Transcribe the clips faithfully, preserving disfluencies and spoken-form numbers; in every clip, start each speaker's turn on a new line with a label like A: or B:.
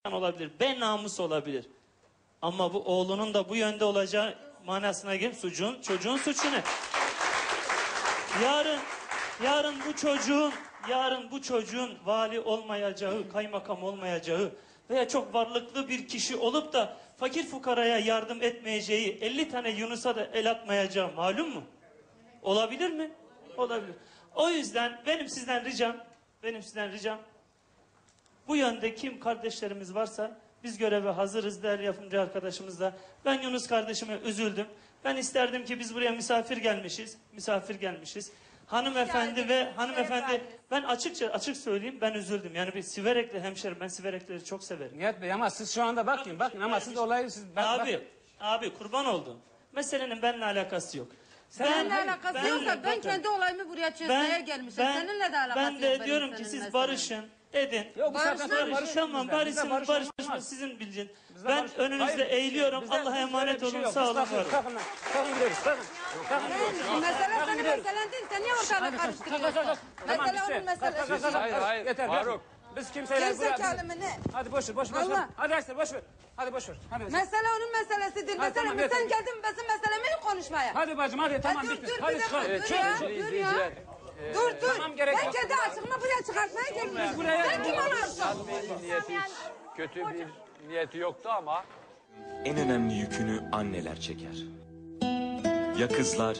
A: olabilir, be namus olabilir. Ama bu oğlunun da bu yönde olacağı manasına gelip suçun, çocuğun suçu ne? Yarın, yarın bu çocuğun, yarın bu çocuğun vali olmayacağı, kaymakam olmayacağı veya çok varlıklı bir kişi olup da fakir fukaraya yardım etmeyeceği, elli tane Yunus'a da el atmayacağı malum mu? Olabilir mi? Olabilir. O yüzden benim sizden ricam, benim sizden ricam, bu yönde kim kardeşlerimiz varsa biz göreve hazırız değerli yapımcı arkadaşımız da. Ben Yunus kardeşime üzüldüm. Ben isterdim ki biz buraya misafir gelmişiz. Misafir gelmişiz. Hanımefendi
B: Yani,
A: ve hanımefendi
B: şey
A: ben açıkça açık söyleyeyim ben üzüldüm. Yani bir Siverekli hemşerim, ben Sivereklileri çok severim.
C: Nihat Bey ama siz şu anda bakın bakın ama siz olayı siz bak,
A: Abi,
C: bak.
A: abi kurban oldum. Meselenin benimle alakası yok.
B: Seninle alakası
A: ben-
B: yoksa ben
A: bakın,
B: kendi olayımı buraya çözmeye gelmişim. Seninle de alakası
A: ben
B: yok.
A: de
B: benim
A: diyorum ki
B: senin
A: siz
B: meselen.
A: barışın dedin.
C: Yok, bu
B: Barışın,
C: saatten sonra
B: barışın.
C: barışın
A: Tamam
C: bizden.
A: barışın,
C: Bizde barış
A: barışın
C: olmaz.
A: sizin bileceğin.
C: Bizde
A: Ben
C: barış-
A: önünüzde
C: Hayır,
A: eğiliyorum.
C: bizde-
A: Allah'a
C: bizde
A: emanet
C: öyle bir şey
A: olun.
C: yok.
A: Sağ
C: Biz
A: olun.
C: kalkın,
A: var olun.
C: Kalkın lan. Kalkın gidiyoruz. Kalkın. Kalkın gidiyoruz.
B: Sen- Mesele
C: Kalkın
B: senin
C: gidiyoruz.
B: meselen değil. Sen niye ortalığı
C: Hadi kalk, kalk, kalk, kalk.
B: karıştırıyorsun?
C: Tamam,
B: Mesele
C: bitti.
B: onun
C: Kalk, kalk, kalk,
B: meselesi.
C: kalk.
D: Hayır, hayır,
C: Yeter.
D: Faruk.
C: Biz kimseyle
B: Gerizekalı mı ne?
C: Hadi boş ver, boş ver, boş ver.
B: Allah.
C: Hadi Aysel boş ver. Hadi boş ver. Hadi.
B: Mesele onun meselesidir.
C: Ha,
B: Mesele
C: tamam,
B: mi?
C: yeter.
B: Sen geldin bizim meselemi konuşmaya.
C: Hadi bacım hadi tamam
B: dur,
C: bitti.
B: dur,
C: Hadi
B: bir dakika,
C: çıkalım.
B: dur
C: Çık.
B: ya.
D: Sevgili
B: Dur
D: izleyiciler,
B: ya. Dur dur.
C: tamam, gerek
B: Ben
C: yok.
B: kendi açığımı buraya çıkartmaya gelmişim.
C: buraya-
B: Sen kim olarsın?
D: Nihat Bey'in niyeti hiç kötü bir niyeti yoktu ama
E: En önemli yükünü anneler çeker. Ya kızlar?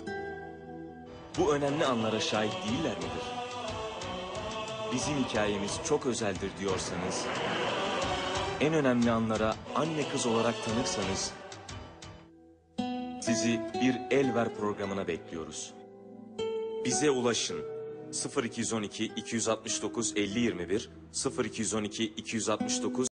E: Bu önemli anlara şahit değiller midir? Bizim hikayemiz çok özeldir diyorsanız, en önemli anlara anne kız olarak tanırsanız, sizi bir El Ver programına bekliyoruz. Bize ulaşın. sıfır iki on iki iki altı dokuz elli yirmi bir sıfır iki on iki iki altı dokuz